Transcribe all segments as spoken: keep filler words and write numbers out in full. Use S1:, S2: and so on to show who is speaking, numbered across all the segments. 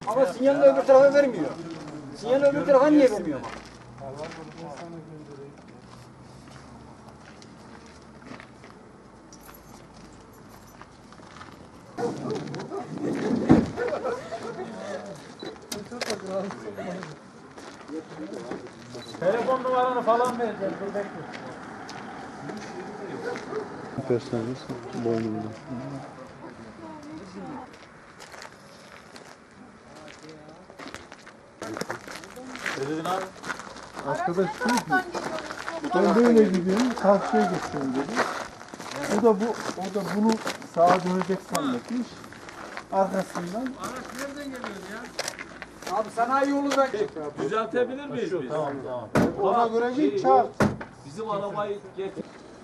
S1: Ama sinyalini öbür tarafa vermiyor. Sinyalini öbür tarafa niye vermiyor?
S2: Telefon numaranı falan vereceğim. Dur bekle.
S3: Gösteririz boynumda.
S2: Ne dedin abi?
S3: Arkadaş diyor ki ben böyle gidiyorum karşıya geçiyorum dedi. O da bu o da bunu sağa dönecek zannetmiş. Arkasından
S2: Araç nereden geliyor ya?
S1: Abi sanayi yolundan
S2: Düzeltebilir miyiz biz? Tamam tamam.
S3: ona göre bir çarp.
S2: Bizim arabayı getir.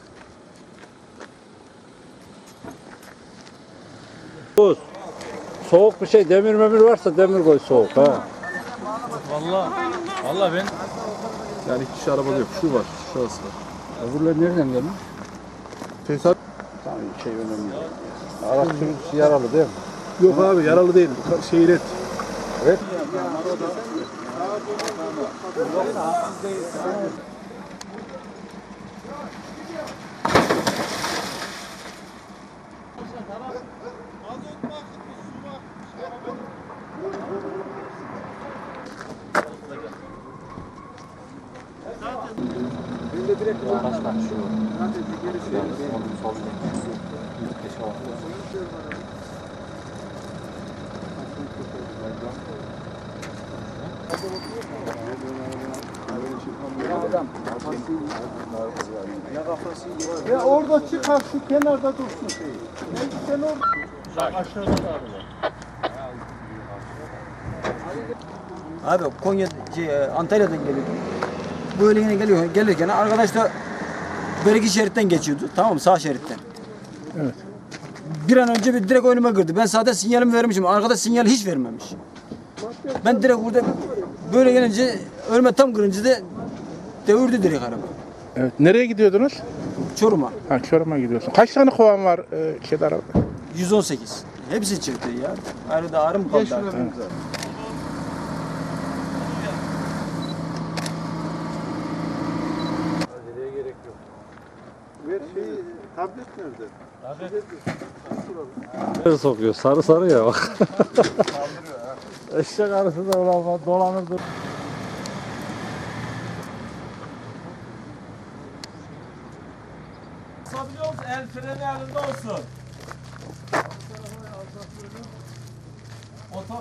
S4: Buz. Soğuk bir şey, demir memir varsa demir koy soğuk ha.
S2: Valla. Valla ben.
S3: Yani iki kişi arabada yok. Şu var. Şurası var.
S4: Öbürler nereden gelmiş?
S3: Tesisat
S4: Tamam, şey önemli değil. Araç sürücüsü yaralı değil mi?
S3: yok abi yaralı değil. Şehir et.
S4: Evet.
S3: Ya orada çıkar şu kenarda dursun şey. Ne sen orada.
S2: Aşağıda da abi.
S1: Abi Konya, şey, Antalya'dan geliyordu. Böyle yine geliyor, gelirken arkadaş da beriki şeritten geçiyordu. Tamam mı? Sağ şeritten.
S3: Evet.
S1: Bir an önce bir direkt önüme girdi. Ben zaten sinyalimi vermişim. Arkadaş sinyali hiç vermemiş. Ben direkt burada böyle gelince önüme tam kırınca da devirdi direkt araba.
S3: Evet. Nereye gidiyordunuz?
S1: Çorum'a.
S3: Ha Çorum'a gidiyorsun. Kaç tane kovan var e, şeyde arabada?
S1: yüz on sekiz. Hepsi çıktı ya. Arada ağrım kaldı. artık.
S3: Ver şeyi, tablet nerede?
S4: Nereye sokuyor? Sarı sarı ya bak. Eşek arısı da ulan dolanır dur.
S2: Basabiliyor musun? El freni elinde olsun. Oto